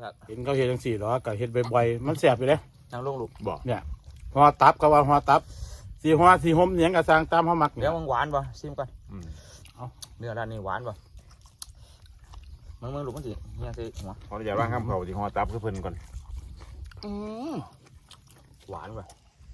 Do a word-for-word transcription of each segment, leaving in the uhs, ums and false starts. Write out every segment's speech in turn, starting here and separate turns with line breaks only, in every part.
ครับ
เห็นเขาเห็นจังสี่หรอก็เห็นบ่อยๆมันแสบอยู่เลย
นางลงลูก
บอกเนี่ยหัวตับก็ว่าหัวตับสีหัวสีหอมเนียงกระซังตามเขามัก
เดี๋ยวมันหวานป่ะซิมก่อน
เอา
เนื้อร้านนี้หวานป่ะมึงมึงลูกมันสิเนี่ยสิหัว
ขออนุญาตว่างข้ามเขาที่หัวตับคือเพิ่นก่อน
หวานป่ะ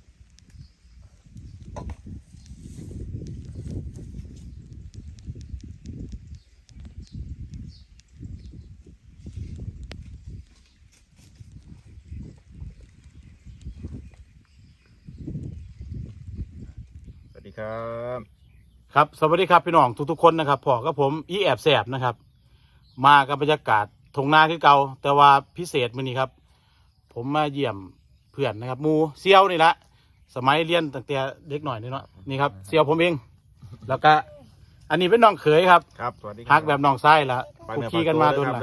สวัสดีครับ
ครับสวัสดีครับพี่น้องทุกๆคนนะครับพ่อกับผมอีแอบแสบนะครับมากับบรรยากาศทงนาที่เก่าแต่ว่าพิเศษมื้อนี้ครับ ผมมาเยี่ยมเพื่อนนะครับมูเซียวนี่ละสมัยเรียนตั้งแต่เด็กหน่อยนี่เนาะนี่ครับเซียวผมเองแล้วก็อันนี้เป็นน้องเขยครับ
ครับสวัสดี
ฮักแบบน้องไส้ละคุกคีกันมาโดนละ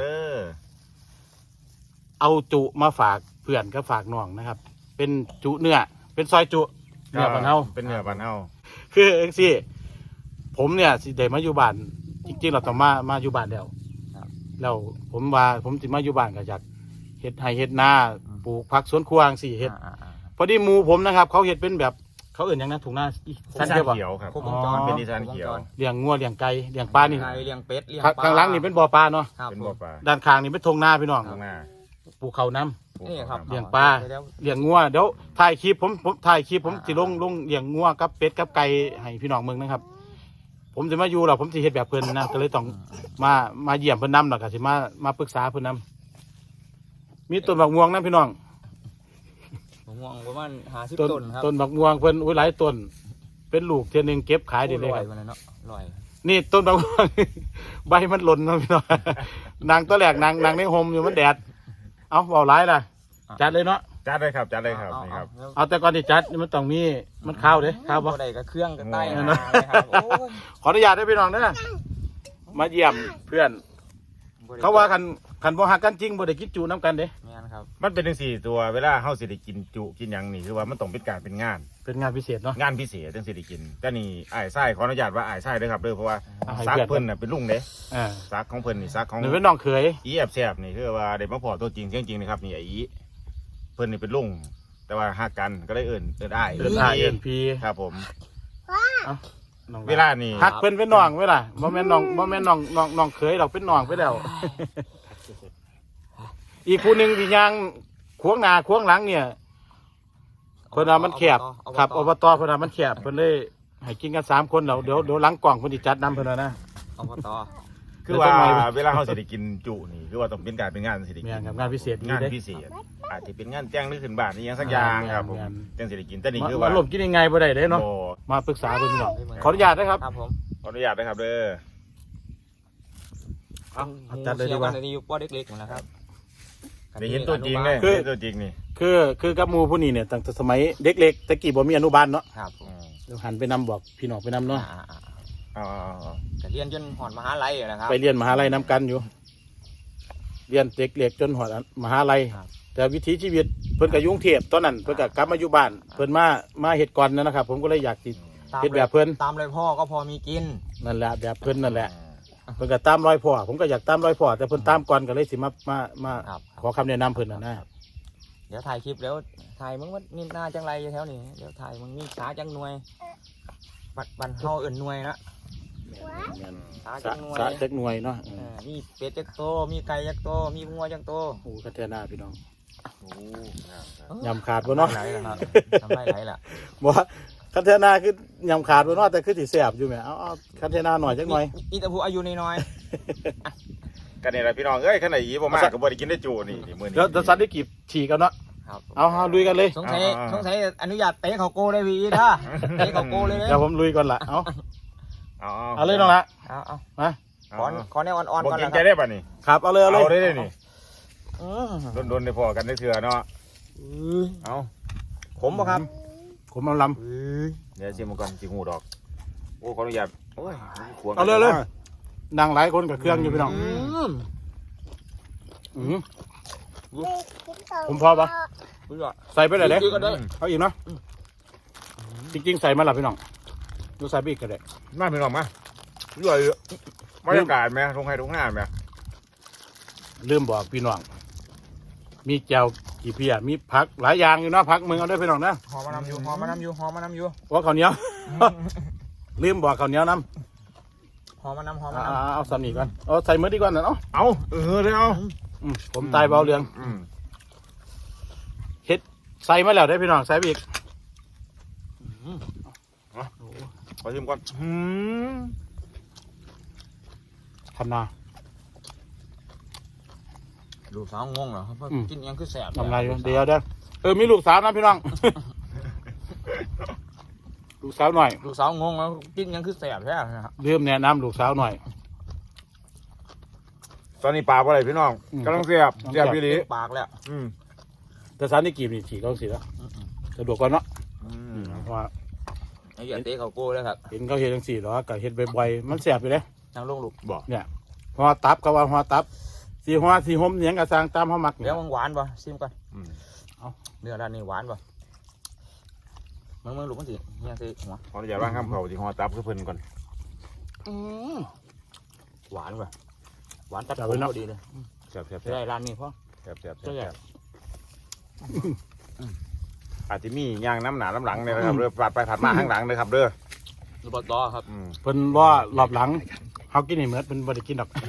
เอาจุมาฝากเพื่อนก็ฝากน้องนะครับ เป็นจุเนื้อเป็นซอยจุเนื้อบ้านเฮา
เป็นเนื้อบ้านเฮา
คือเอ็กซี่ผมเนี่ยสิเดมาอยู่บ้านจริงๆเราต้องมามาอยู่บ้านแล้วแล้วผมว่าผมสิมาอยู่บ้านก็อยากเฮ็ดไร่เฮ็ดนาปลูกผักสวนครัวสี่เฮ็ดพอดีหมู่ผมนะครับเขาเฮ็ดเป็นแบบเขาเอื่นอย่างนั้นถุงหน้า
สันเขียวครับเป็นนิสานเขียว
เลี้ยงงัวเลี้ยงไก่เลี้ยงปลานี่
เลี้ยงเป็ดเลี้ยงปลา
ข้างหลังนี่เป็นบ่อปลาเนาะ
เป็นบ่อปลา
ด้านข้างนี่เป็นทงนาพี่น้องปลูกข้าวน้ำ
นี่ครับ
เลี้ยงปลาเลี้ยงงัวเดี๋ยวถ่ายคลิปผมผมถ่ายคลิปผมสิลงลงเลี้ยงงัวกับเป็ดกับไก่ให้พี่น้องเมืองนะครับผมจะมาอยู่หรอผมสิเฮ็ดแบบเพิ่นนะก็เลยต้องมามาเยี่ยมเพิ่นนำหรอกก็สิมามาปรึกษาเพิ่นนำมีต้นบักม่วงนะพี่น้อง
บักม่วงประมาณห้าสิบต้นครับ
ต้นบักม่วงเพิ่นอุ้ยหลายต้นเป็นลูกเทียนึงเก็บขายได้เลยครับนี่ต้นบักม่วงใบมันหล่นนะพี่น้องนางตัวแรกนางนางในโฮมอยู่มันแดดเอาเบาหลายล่ะจัดเลยเนาะ
จัดเลยครับจัดเลยครับนี่ครับ
เอาแต่ก่อนที่จัดมันต้องมีมันข้าวเด้ข้าวบ่
ได้กับเครื่องกับไต้
ขออนุญาตได้พี่น้องเด้อมาเยี่ยมเพื่อนเขาว่าคันคันบ่ฮักกันจริงบ่ได้กินจูน้ำกันเด้
แม่นครับ
มันเป็นจังสี่ตัวเวลาเฮาสิได้กินจุกินหยังนี่คือว่ามันต้องเป็นการเป็นงาน
เป็นงานพิเศษเนาะ
งานพิเศษจังสิได้กินแต่นี่อ้ายไส้ขออนุญาตว่าอ้ายไส้เด้อครับเด้อเพราะว่าซักเพิ่นน่ะเป็นลุงเด้
อ่า
ซักของเพิ่นนี่ซักของ
นี่เป็นน้องเขย
อีแอบแซ่บนี่คือว่าได้มาพอตัวจริงเสียงจริงนะครับนี่ไอ้อีเพิ่นนี่เป็นลุงแต่ว่าฮักกันก็เลยเอิ้นเอิ้นอ้าย
เอิ้นอ้ายเอิ้นพี่
ครับผม
เว
ลานี่
ฮักเพิ่นเป็นน้องเวลาบ่แม่นน้องบ่แม่นน้องน้องน้องเขยดอกเป็นน้องไปแล้วอีกผู้หนึ่งที่ย่างควงหน้าควงหลังเนี่ยเพิ่นว่ามันแคบครับอบตเพิ่นว่ามันแคบเพิ่นเลยให้กินกันสามคนแล้วเดี๋ยวเดี๋ยวหลังกล่องเพิ่นสิจัดนำเพิ่นนะ
อบต
คือว่าเวลาเขาสิได้กินจุนี่คือว่าต้องเป็นการเป็นงานสิได้กิน
งานพิเศษ
งานพิเศษอาจจะเป็นงานแจ้งหรือขึ้นบ้านนี่ยังสักอย่างครับผมจังสิได้กินแต่นี่คือว่า
ลมกินยังไงบ่ได้เด้เนาะมาปรึกษาเพิ่นพี่น้องขออนุญาตนะครับ
ครับผม
ขออนุญาตนะครับเด้อ
เอาจัดเลยดีกว่า
นี่อยู่ป้อเล็กๆนะครับ
ได้เห็นตัวจริงเลยคือตัวจริงนี่
คือคือกับหมู่ผู้นี้เนี่ยตั้งแต่สมัยเด็กๆตะกี้บ่มีอนุบาลเนาะ
ครับ
เดี๋ยวหันไปนำบอกพี่น้องไปนำเนาะ
อ๋อ
เรียนจนหอดมหาลัยนะครับ
ไปเรียนมหาลัยนำกันอยู่เรียนเด็กเล็กจนหอดมหาลัยแต่วิถีชีวิตเพิ่นกับยุ่งเทียบตอนนั้นเพิ่นกับกลับมาอยู่บ้านเพิ่นมามาเฮ็ดก่อนนะครับผมก็เลยอยากติดเฮ็ดแบบเพิ่น
ตามรอยพ่อก็พอมีกิน
นั่นแหละแบบเพิ่นนั่นแหละเพิ่นก็ตามรอยพ่อผมก็อยากตามรอยพ่อแต่เพิ่นตามก่อนก็เลยสิมามามาขอคำแนะนำเพิ่นน่ะนะ
เดี๋ยวถ่ายคลิปแล้วถ่ายมึงว่านี่หน้าจังไรแถวนี้เดี๋ยวถ่ายมึงนี่ช้าจังหน่วยบัดบันเฮาเอิ่นหน่วยนะ
สาจักหน่วยสาจักหน่วยเนาะ
มีเป็ดจักโตมีไก่จักโตมีงัวจักโต
โอ้คันเทนาพี่น้องยำขาดบ่เนาะ
ไหลล่ะครับทำไรไหลล่ะ
บ่คันเทนาคือยำขาดบ่เนาะแต่คือสิแซ่บอยู่แหมเอาเอาคันเทนาหน่อยจักหน่อย
อีตะพูอายุน้อย
กันนี่แหละพี่น้องเอ้ยขนาดอีบ่มากก็บ่ได้กินได้จูนี่มื้อนี้
เดี๋ยวสันได้กีบฉีกันเนาะเอาเอาลุยกันเลย
สงสัยสงสัยอนุญาตเตะเขาโก้ได้พี่ท่าเตะเขาโก้เลย
เดี๋ยวผมลุยก่อนละเอา
เอา
เอาเลยน้องละ
เอาเอา
มา
ขอขอแนวอ่อนๆ
ก่อนกินใจได้ป่ะนี่
ครับเอาเลยเอาเลย
เอาเลยนี่โดนๆได้พอกันได้เถื่อเนาะเอา
ขมป่ะครับ
ขมเอาล
ำเดี๋ยวชิมก่อนชิมหูดอกโอ้ขออนุญาตโอ้ย
เอาเลยเลยนั่งหลายคนกับเครื่องอยู่พี่น้องผมพอปะใส่ไปเลยเด้เอาอีกเนาะจริงๆใส่มาหลับพี่น้องดูใส่ไปอีกก็ได้
มาพี่น้องมาย่อยบรรยากาศไหมตรงไห้ตรงหน้าไหม
ลืมบอกพี่น้องมีแจ่วกี่เพียมีผักหลายอย่างอยู่เนาะผักมึงเอาด้วยพี่น้องนะ
หอมมานำอยู่หอมมานำอยู่หอมมานำอยู่
ว่าข้าวเหนียว ลืมบอกข้าวเหนียวน้ำ
หอมมานำหอม
อ่า
มา
เอาสามีก่อนเอาใส่มือดีกว่านะเนาะ
เอาเออเลยเอา
อืมผมตายเบาเรือง
อืม
เฮ็ดใส่มาแล้วได้พี่น้องใส่ไปอีก
ขอชิมก่อนอืม
ทำนา
ดูสาวงงเหรอเพราะ
อืม
กินยังคือแสบ
ทำไรอยู่เดี๋ยวเด้อเออมีลูกสาวนะพี่น้อง ลูกสาวหน่อย
ดูสาวงงแล้วกินยังคือแสบใช่ไหมครับ
เริ่มแนะนำลูกสาวหน่อย
ตอนนี้ปลาอะไรพี่น้อง
อืม
กำลังเสียบเสียบพี่ลี
เต็มปากแล้ว
อืม
แต่สารนี่กีบนี่ฉีกเขาสิแล้วสะดวกกว่าเนาะ
อืม
เพราะว่า
ไอ้เหี้ยเตะเขาโก้เลยครับ
เห็นเขาเห็นจังสี่หรอกับเห็ดบ่อยๆมันแสบอยู่เลย
ทางลงลูก
บอก
เนี่ยหัวตับก็ว่าหัวตับสีหัวสีหมเหนียงกระซางตามเขามัก
เดี๋
เนี่ย
วยมันหวานป่ะซิมก่อน
อืม
เนื้อร้านนี้หวานป่ะมึงมึงลูกมันสิเฮียสิหัว
ขออนุญาตว่างข้ามเขาที่หอตับคือเพิ่นก่อน
หวานป่ะหวานตัดผมพอดีเลย
เสียบเสียบ
จะได้ร้านนี้พ่อ
เสียบเสียบเสี
ใช่
ยบ
ไหม
เสียบอาจจะมีย่างน้ำหนาน้ำหลังเนี่ยนะครับเรือปาดไปผัดมาข้างหลังเลยครับเด้อ
รูปตอครับ
อืม
เพิ่นว่ารอบหลังเขากินให้เหมือนเป็นบริกินดอก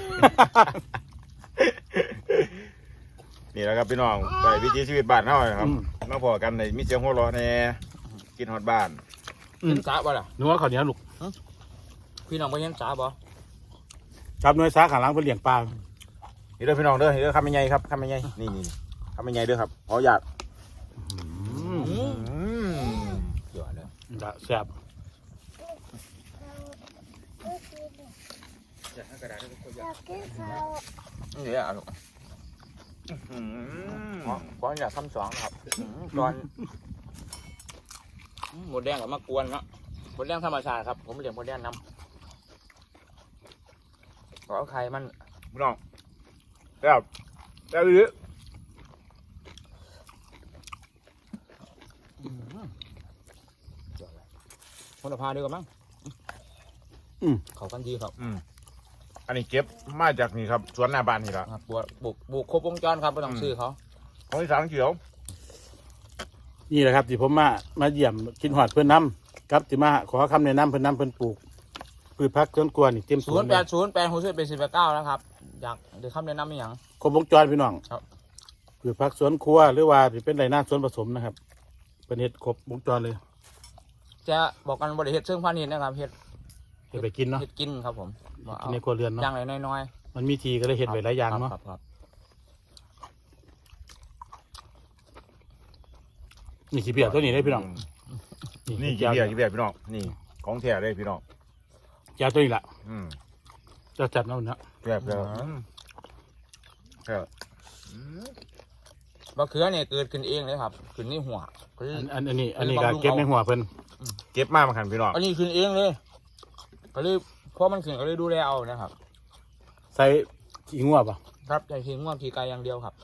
นี่แหละครับพี่น้องไปวิถีชีวิตบ้านเฮาครับ
อืม
มาพอกันในมีเสียงหัวเราะแน่กินฮอดบ้าน
อืม
กินสาบ่ล่ะ
นึกว่าข้าวเหนียวลูก
พี่น้องไปเห็นสาบ่
จับหน่วยสาขาหลังเพิ่นเลี้ยงปลา
นี่เด้อพี่น้องเด้อนี่เด้อคำไม่ใหญ่ครับคำไม่ใหญ่นี่นี่คำไม่ใหญ่เด้อครับขออยาก
อืม
อืม
เดี๋ยวเลย
จะแซ่บ
นี่อ่ะลูก
อืม
ก่อนอยากทำสองครับก่อนหมดแดงกับมะกวนเนาะหมดแดงธรรมชาติครับผมเลี้ยงหมดแดงน้ำขอไข่มัน
พี่น้องแบบแบบนี้
คนละพาดีกว่ามั้งเขากันดีครับ
อืมอันนี้เก็บมาจากนี่ครับสวนหน้าบ้านนี่ละ
ครับบุกบุกบุกครบวงจรครับไม่ต้องซื้อเขา
ของที่สามเขียว
นี่แหละครับที่ผมมามาเยี่ยมกินหอดเพื่อนน้ำครับที่มาขอคำแนะนำเพื่อนน้ำเพื่อนปลูกพืชผักสวนครัวนี่เต็มส
ศู
วน น
ย์
เล
แป
ย
ดศูนย์แปดหกสิบเป็นสิบแปดเก้าแล้วครับอยากเดี๋ยวคำแนะนำอีกอย่าง
ครบวงจรพี่น้อง
ครับ
พืชผักสวนครัวหรือว่าสิเป็นไรหน้าสวนผสมนะครับ เป็นเห็ดครบวงจรเลย
จะบอกกันบริเฮ็ดเชิงพาณิชย์นะครับเฮ็ด
เห็ดไปกินเนาะ
เฮ็ดกินครับผมว่า
กิ
เอา
นในครัวเรือน
อ
เนาะ
ย่างไรน้อย
มันมีทีก็เลย
ๆ
เห็ดไว้หลายอย่างเนาะ
ครับครับ
นี่ขี้เปียกตัวนี้ได้พี่น้อง
นี่กี่เบียร์กี่เบียร์พี่น้องนี่ของแท้เลยพี่น้อง
ยาตัวนี้แหละ
อืม
จะจัดเอาเนาะ
แบบแบบแบบ
มะเขือเนี่ยเกิดขึ้นเองเลยครับขึ้นในหัวคือ
อันอันอันนี้อันนี้ก็เก็บในหัวเพิ่น
เก็บมามาขันพี่น้อง
อันนี้ขึ้นเองเลยก็เลยเพราะมันขึ้นก็เลยดูแลเอานะครับ
ใส่ขี้งัวป่ะ
ครับใส่ทิ้งง่วงทีไกลอย่างเดียวครับ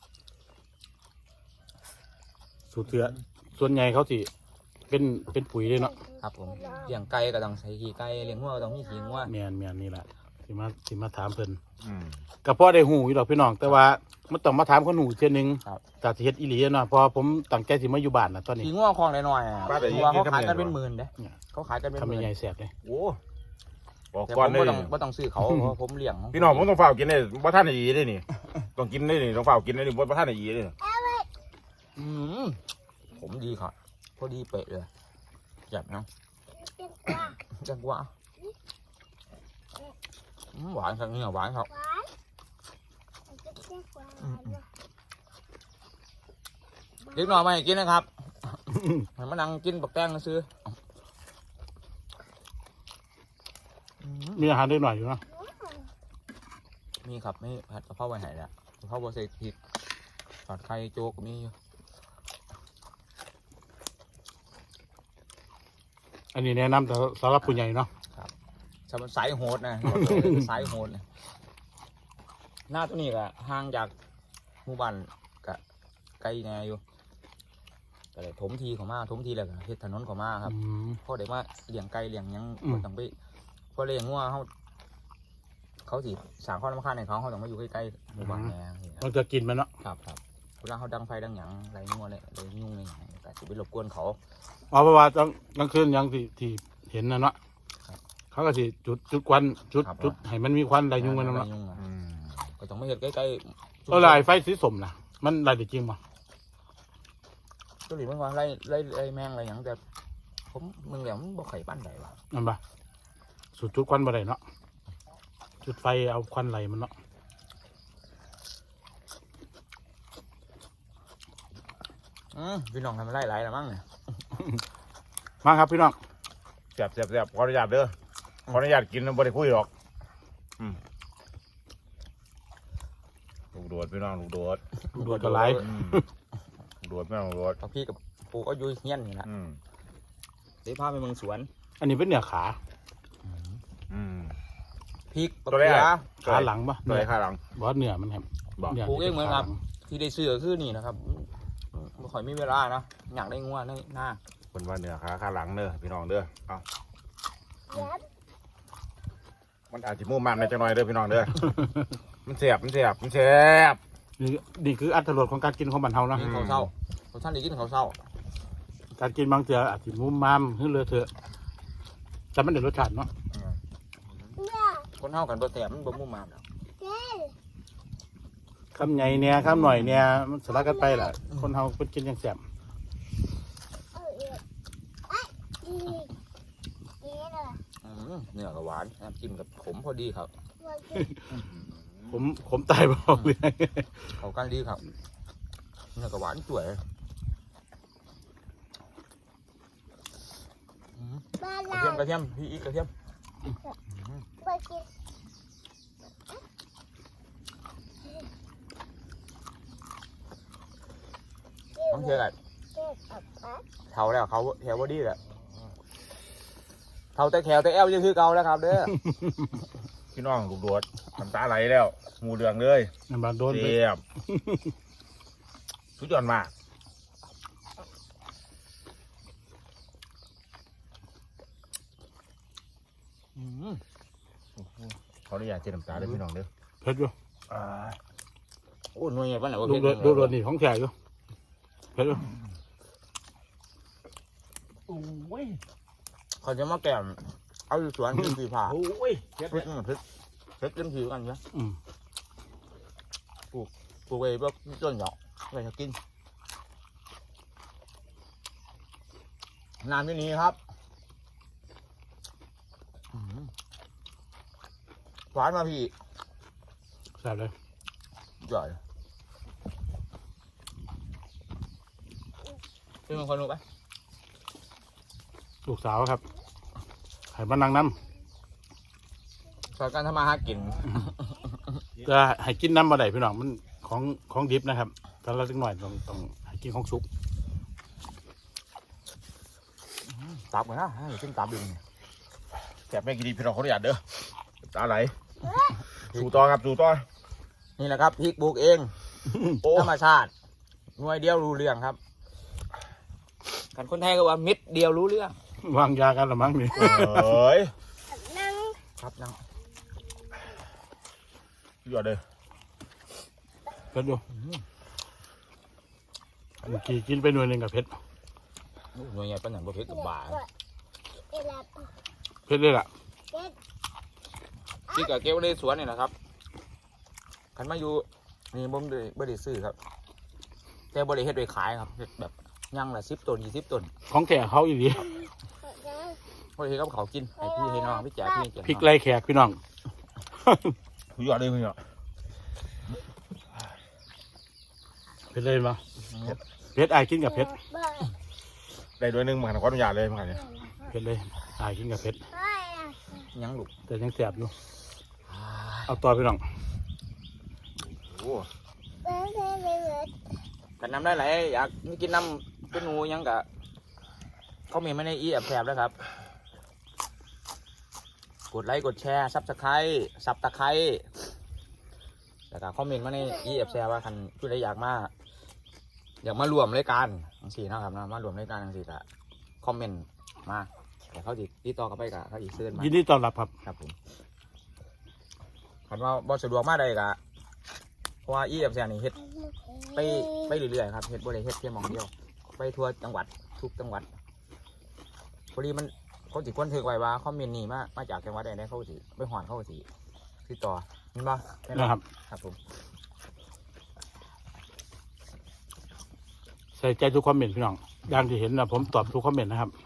สูตรเสือส่วนใหญ่เขาสิเป็นเป็นปุ๋ยเลยเนาะ
ครับผมเลี้ยงไก่ก็ต้องใส่ขี้ไก่เลี้ยงงัวก็ต้องมีขี้งัว
แมนแมนนี่แหละสิมาสิมาถามเพิ่น
อืม
ก็พอได้หูอยู่ดอกพี่น้อง แต่ว่ามันต้องมาถามคนหูเช่นนึง
ครับ
จากสิเฮ็ดอีหลีเนาะเพอผมตั้งใจสิมาอยู่บ้านนะตอนนี้
ขี้งัวคลองน้อยๆอ่ะเพราะว่าเขาขายกันเป็นหมื่นเด้
เนี่ย
เขาขายกันเป็นห
ทำ
มื่น
ใหญ่ๆแสบเลย
โอ้บอก
แต่
ก่
ผ
อน
ม
เลย
ไม่ต้องไม่ต้องซื้อเขาเพราะผมเลี้ยงข
พี่น้องผมต้องเฝ้ากินเลยว่าท่านอีได้นี่ต้องกินได้นี่ต้องเฝ้ากินได้นี่ว่าท่านอีได้นี่
อืมผมดีครับพอดีเป๊ะเลยจับนะจังหวะอืมหวานครับเนี่ยหวานครับเล็กน้อยมาให้กินนะครับให้มานั่งกินบักแตงซื้ออืม
มีอาหารได้หน่อยอยู่เนาะ
มีครับไม่ผัดกะเพราไว้ไหนละกะเพราบะเสกผิดผัดไข่โจ๊กมีอยู่
อันนี้แนะนำแต่สำหรับผู้ใหญ่เนาะ
สำหรับสายโหดนะ สายโหดนะหน้าตัวนี้ก็ห่างจากหมู่บ้านก็ไกลแน่อยู่ก็เลยถมทีเขามาถมทีแล้วก็เฮ็ดถนนเขามาครับ
อืม
พอได้มาเลี้ยงไก่เลี้ยงหยัง
อืม
บ่ต้องไปพอเลี้ยงงัวเขาเขาสิสร้างความรำคาญให้เขาเขาต้องมาอยู่ใกล้ๆหมู่บ้านแน่
มันจะกินมันเนาะ
ครับครับเวลาเขาดังไฟดังหยังไรงัวเลยไรยุ่งเลยหยังแต่สิไปรบกวนเขา
เอาเพราะว่าต้องกลางคืนอยังที่ที่เห็นนะเนาะ
ครับ
เขาก็สิจุดจุดควันจุด
ครับ
จุดให้มันมีควันไรยุ่งมันเนาะ
ไรยุ่งอะ
อืม
ก็ต้องไม่เห็นใกล้ๆ
เอาลายไฟสีสมนะมันลายได้จริงป่ะ
ตัวหลีมันว่าไรไรไรแมงไรหยังแต่ผมมึงแล้วมันบ่ไข่ปั้นใดวะ
นั่นป่ะสุดจุดควันบ่ได้เนาะจุดไฟเอาควันไหลมันเนาะ
อืมพี่น้องทำไรไรแล้วมั้งเนี่ย
มาครับพี่น้อง
แซ่บแซ่บแซ่บขออนุญาตเด้อขออนุญาตกินบ่ได้คุยหรอกอืมลูกโดดพี่น้องลูกโดด
ดูดกระไร
อืมลูกโดดพี่น้องลูกโดด
พอพี่กับปู่ก็อยู่เฮี้ยนนี่แหละ
อืม
เดี๋ยวพาไปเมืองสวน
อันนี้เป็นเนื้อขา
อืม
พริก
ตัวแรก
เกลือ
ขาหลังป่ะ
ตัวไหนข้างหลัง
บอสเนื้อมันครับ
บอก
นื้
ปลูกเองเหมือนครับ
ขาหลัง
ที่ได้ซื้อก็คือนี่นะครับไม่ค่อยมีเวลานะอยากได้งัวในหน้า
คนว่าเนื้อขาข้างหลังเด้อพี่น้องเด้อเอามันอาจจะมุ่งมันในจังหน่อยเด้อพี่น้องเด้อ มันเสียบมันเสียบมันเสียบ
นี่นี่คืออัตรสของการกินของบ้านเฮานะ
กินข้าวเศร้าเขาท่านได้กินข้าวเศร้า
การกินบางเจืออาจจะมุมมามขึ้นเลยเถอะแต่มันเดือดรสชาติเนาะ
คนเท่ากันตัวแสบมันบ่มุ่งมามแล้ว
คำใหญ่เนี่ยคำหน่อยเนี่ยมันสลับกันไปแหละคนเฮาเป็นกินอย่างแซ่บ
อืมเนื้อกับหวานน้ำจิ้มกับขมพอดีครับ
ผมผมตายบอกเลย
เขากันดีครับเนื้อกับหวานสวยอืมกระเทียมกระเทียมพี่อีกกระเทียมต้องเชื่อกันเท่าแล้วเขาแถวบอดี้แหละเท่าแต่แถวแต่แอลยังคือเก่าแล้วครับเด้อ
พี่น้องลูกโดดน้ำตาไหลแล้วหมูเดืองเลย
น้ำบานโดนไป
เสียบสุดยอดมากขออนุญาตเจน้ำตาเด้อพี่น้องเด้อ
เผ็ดอยู่
อ่า
โอ้หน่วยไงบ้านไหนวะ
ลูกโดดลูกโดดนี่ของแท้อยู่เผ็ดอยู่
โอ้ย
เขาจะมาแก้มเอาอยู่สวนกินสีผ้า
โอ้ยเผ็ด
เพชรเพชรเพชรเต็มผิวกันนะ
อืม
ปลูกไว้แบบต้นหยอกไว้จะกินน้ำที่นี้ครับอืมหวานมาพี่
แซ่บเลย
จ่อยเป็นคนรู้ไหม
ลูกสาวครับให้มานั่งน้
สอนการทำมาหากิน
ำจะให้กินน้ำมาได้พี่น้องมันของของดิบนะครับถ้าเราสักหน่อยต้องต้องให้กินของสุก
ตับกันนะให้กินตับดึง
แซ่บแม่กินดีพี่น้องขออนุญาตเด้อน้ำตาไหลสู่ต่อครับสู่ต่อ
นี่แหละครับพริกปลูกเอง
โอ้
ธรรมชาติหน่วยเดียวรู้เรื่องครับกันคนไทยก็ว่าเม็ดเดียวรู้เรื่อง
วางยากันละมั้งนี่
เอ้ย
ครับนั่ง
สุดยอดเลย
เผ็ดอยู่เมื่อกี้กินไปหน่วยหนึ่งกับเผ็ด
หน่วยใหญ่เป็นอย่างประเภทกับบ่า
เผ็ดเลยล่ะ
ที่กับเก็บในสวนนี่นะครับขันมาอยู่นี่บ่มได้บ่ได้ซื้อครับ แต่บ่ได้เฮ็ดไว้ขายครับเฮ็ดแบบย่างละสิบต้นยี่สิบต้น
ของแท้เขาอีหลี
บ่ได้เฮ็ดกับเขาวกินให้พี่ให้น้องพี่แจกพี่แจก
พริกไล่แขกพี่น้อง
สุดยอดเลยพี่น้อง
เผ็ดเลยมั้เผ็ดไอายกินกับเผ็ด
ได้ด้วยหนึงมันขออนุญาตเลยมันเนี่ย
เผ็ดเลยไอายกินกับเผ็ด
ยังลูก
แต่ยังแสบอยู่เอาต่อพี่น้อง
โอ้
กันน้ำได้ไหลายอยากกินน้ำเป็นหนูยังกะเขามีไม่ในอีแอบแสบแล้วครับ กดไลค์กดแชร์ซับสไครต์ซับตะไคร้แล้วก็คอมเมนต์มาในอีแอบแชร์ว่าคันผู้ใดอยากมาอยากมารวมรายการทั้งสี่นะครับนะมารวมรายการทั้งสี่ก็คอมเมนต์มาแต่เขาจิติดต่อกันไปกับเขาจิเชิญมา
ยินดีต้อนรับครับ
ครับผมคันว่าบอสะดวกมาได้กะเพราะว่าอีแอบแซนนี่เฮ็ดไปไปเรื่อยๆครับเฮ็ดบ่ได้เฮ็ดแค่หม่องเดียวไปทั่วจังหวัดทุกจังหวัดพอดีมันเขาสิคนถือไว้ว่าคอมเมนต์นี่มามาจากจังหวัดใดๆเขาสิไปหอนเขาสิติดต่อเห็นบ่แม่นบ่
นะครับ
ครับผม
ใส่ใจทุกคอมเมนต์พี่น้องอย่างที่เห็นนะผมตอบทุกคอมเมนต์นะครับ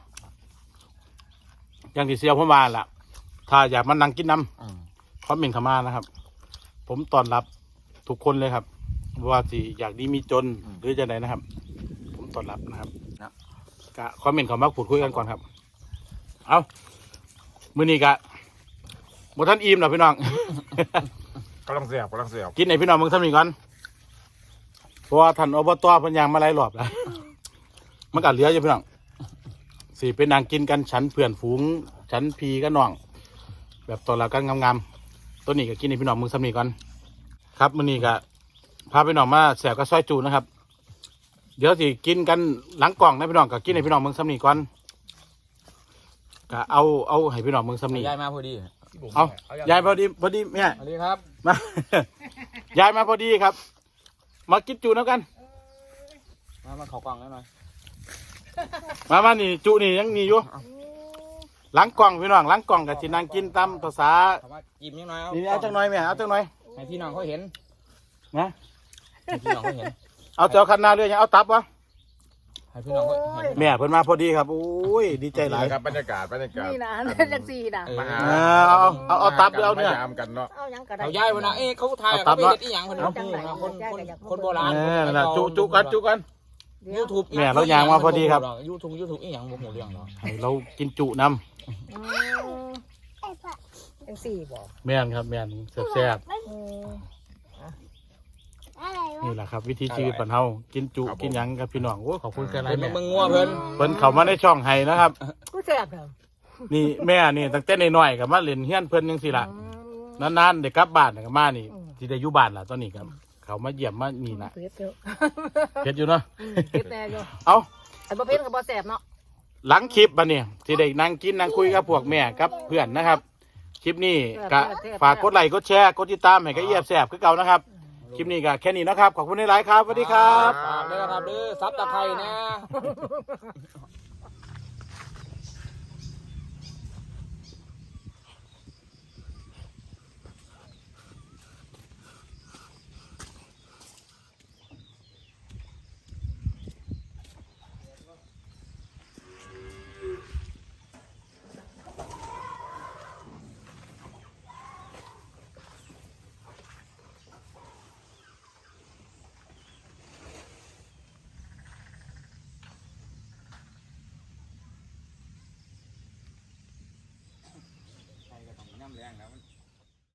อย่างที่เซียวผมมาล่ะ ถ้าอยากมานั่งกินน้
อืม
ำคอมเมนต์เข้ามานะครับ ผมต้อนรับทุกคนเลยครับว่าสิอยากดีมีจนหรือจะไหนนะครับ ผมต้อนรับนะครับกะคอมเมนต์เข้ามาพูดคุยกันก่อนครับ เอามื้อนี้กะบ่ทันอิ่มหรอกพี่น้อง
กำลังเสียบกำลังเสียบ
กินไหนพี่น้องมึงทำนี่ก่อนเพราะว่าท่านอบตเพันยางมาหลายรอบแล้ว มันก็เหลืออยู่พี่น้องสี่เป็นนางกินกันฉันเพื่อนฝูงฉันพีก็น้อง แบบตัวละกันงามๆตัวนี้ก็กินในพี่น้องมึงทำนี่ก่อนครับมื้อนี้ก็พาพี่น้องมาแสบกับซอยจูนะครับ เดี๋ยวสิกินกันหลังกล่องนะพี่น้องก็กินในพี่น้องมึงทำนี่ก่อนก็เอาเอาให้พี่น้องมึงทำนี่
ยายมาพอดี
เอายายพอดีพอดีแม่
สวัสดีครับ
มา ยายมาพอดีครับ มากินจูน้ำกัน
มามาขอกล่องหน่อย
มามานี่จูนี่ยังมีอยู่หลังกล่องพี่น้องหลังกล่องกับจินางกินตามภาษา
ถามว่ายิ้มยังไงเอา
นี่เอาจังหน่อยแม่เอาจังหน่อย
ให้พี่น้องเขาเห็น
นะ
ให้พี่น้องเขาเห็น
เอาเจ้าคันนาเรือยังเอาตับวะ
ให้พี่น้องเขาให้พี่น้อง
แม่เพิ่นมาพอดีครับโอ้ยดีใจหลาย
ครับบรรยากาศบรรยากาศ
นี่นะเป็นจังซี่นะ
เออ
มาหา
เออเอาเอาเอาตับหรือเอาเนื้อ
มายามกันเนาะ
เอาหยังก็ได้
เอายายวันนะเอ๊ะเขาถ่าย
เอาตั
เขา
บ
ไป
เนาะ
เฮ็ดอีหยังเพิ่นเอาคนคนคนโบราณ
เออนั่นแหละจูจูกันจูกัน
ยูทูบ
แม่เรายางมาพอดีครับ
ยูทูบยูทูบอีหยังบ่ฮู้เรื่องเนาะ
ให้เรากินจุน
อืมจังซี่บ่
ำแม่นครับแม่นแซ่บ
อืม
ๆนี่แหละครับ วิธีชีวิตปันเฮากินจุกินหยังกับพี่น้องโอ้ยขอบคุณแค่ไร
เพิ่น
แม่
มึงงัวเพิ่น
เพิ่นเข้ามาในช่องไห้นะครับ
กูแซ่บเด้อ
นี่แม่นี่ตั้งแต่น้อยๆกับมาเล่นเฮียนเพิ่นจังซี่ล่ะ
อืม
นานๆได้กลับบ้านน่ะก็มานี่
อืม
ที่ได้อยู่บ้านล่ะตอนนี้ครับเขามาเยี่ยมมานี่ล่ะ
เผ็ดเด้อ
เฮ็ดอยู่เนาะ
อืมเผ็ดแน่อยู่
เอา
อันบ่เผ็ดก็บ่แซ่บเนาะ
หลังคลิปบัดนี้ที่ได้นั่งกินนั่งคุยกับพวกแม่กับเพื่อนนะครับ คลิปนี้ก็ฝากกดไลค์กดแชร์กดติดตามให้กับเอียบแสบคือเก่านะครับ คลิปนี้ก็แค่นี้นะครับขอบคุณหลายๆครับสวัสดีครับ
ฝากด้วยนะครับเด้อซับตะไคร้นะ ใครก็ต้องน้ำแรงแล้วมัน